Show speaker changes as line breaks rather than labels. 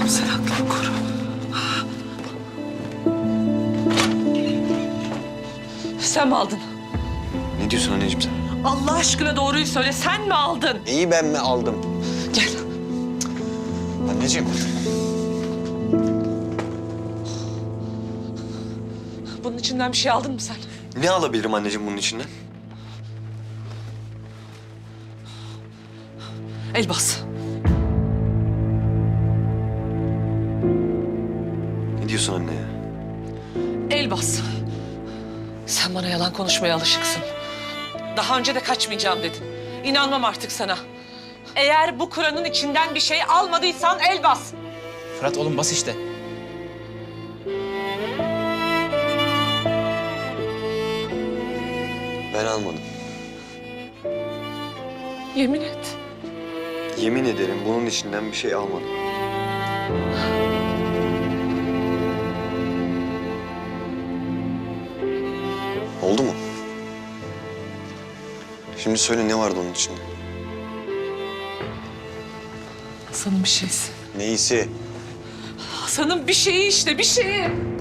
Allah'ım sen aklımı koru. Sen mi aldın?
Ne diyorsun anneciğim sen?
Allah aşkına doğruyu söyle. Sen mi aldın?
İyi ben mi aldım?
Gel.
Anneciğim.
Bunun içinden bir şey aldın mı sen?
Ne alabilirim anneciğim bunun içinden?
Elbas.
Ne diyorsun anne ya?
Elbas. Sen bana yalan konuşmaya alışıksın. Daha önce de kaçmayacağım dedin. İnanmam artık sana. Eğer bu Kur'an'ın içinden bir şey almadıysan Elbas.
Fırat oğlum bas işte.
Ben almadım.
Yemin et.
Yemin ederim bunun içinden bir şey almadım. Oldu mu? Şimdi söyle ne vardı onun içinde?
Hasan'ın bir şeysi.
Neyisi?
Hasan'ın bir şeyi işte, bir şeyi.